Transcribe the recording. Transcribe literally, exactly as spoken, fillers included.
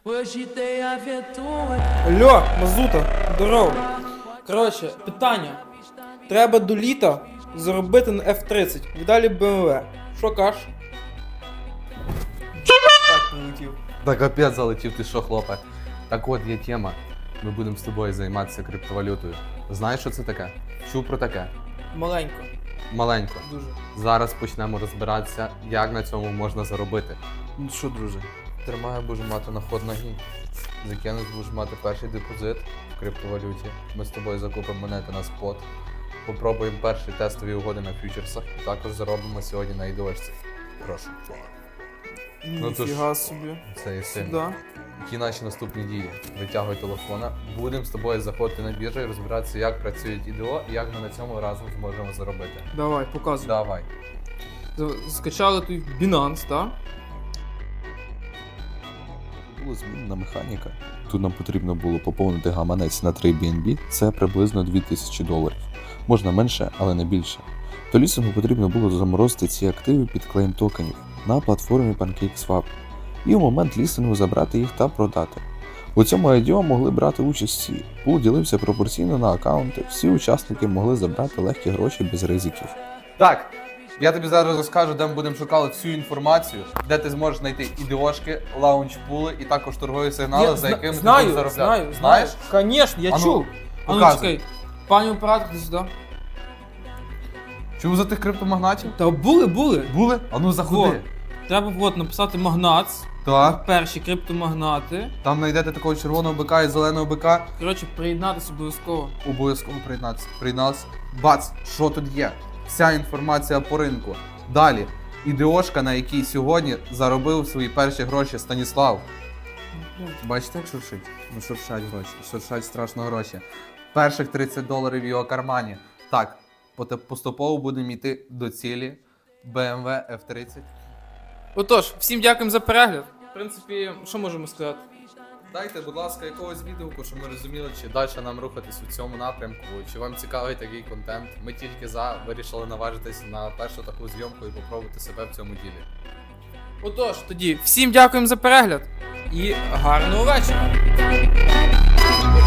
Алло, Мазута, здорово. Коротше, питання. Треба до літа заробити на еф тридцять, вдалі бе ем ве. Що кажеш? Так, полетів. Да капець залетів, ти що, хлопе? Так от є тема. Ми будемо з тобою займатися криптовалютою. Знаєш, що це таке? Чув про таке? Маленько, Маленько. дуже. Зараз почнемо розбиратися, як на цьому можна заробити. Ну що, друже, тримаю, будеш мати на ход ноги. Закинеш, будеш мати перший депозит в криптовалюті. Ми з тобою закупимо монети на спот. Попробуємо перші тестові угоди на фьючерсах. І також заробимо сьогодні на ідошці. Прошу. Ну, то ж- Ніфіга собі. Це і сильно. Да. Які наші наступні дії? Витягуй телефона. Будемо з тобою заходити на біржу і розбиратися, як працюють ідео і як ми на цьому разом зможемо заробити. Давай, показуй. Давай. З- Скачали тут Binance, так? Була змінена механіка. Тут нам потрібно було поповнити гаманець на три бі ен бі, це приблизно дві тисячі доларів. Можна менше, але не більше. То лісингу потрібно було заморозити ці активи під клейм токенів на платформі PancakeSwap і у момент лістингу забрати їх та продати. У цьому ай ді о могли брати участь всі. Пул ділився пропорційно на аккаунти, всі учасники могли забрати легкі гроші без ризиків. Так, я тобі зараз розкажу, де ми будемо шукати всю інформацію, де ти зможеш знайти ідеошки, лаунч-пули і також торгові сигнали, Я за зна- якими знаю, ти будеш заробляти. знаю, знаю. Знаєш? Конечно, я А ну, чув. А ну показуй. чекай. Пані оператор, ти сюди. Чув за тих криптомагнатів? Та були, були. Були? А ну заходи. Треба от написати магнац. Так. Перші криптомагнати. Там знайдете такого червоного бика і зеленого бика. Коротше, приєднатися обов'язково. Обов'язково приєднатися. Приєдналися. Бац, що тут є? Вся інформація по ринку. Далі. Ідеошка, на якій сьогодні заробив свої перші гроші Станіслав. Бачите, як шуршить? Ну шуршать гроші. Шуршать страшно гроші. Перших тридцять доларів в його кармані. Так, поте- поступово будемо йти до цілі бе ем ве еф тридцять. Отож, всім дякуємо за перегляд. В принципі, що можемо сказати? Дайте, будь ласка, якогось відгуку, щоб ми розуміли, чи далі нам рухатись у цьому напрямку, чи вам цікавий такий контент. Ми тільки за вирішили наважитись на першу таку зйомку і попробувати себе в цьому ділі. Отож, тоді всім дякуємо за перегляд і гарного вечора.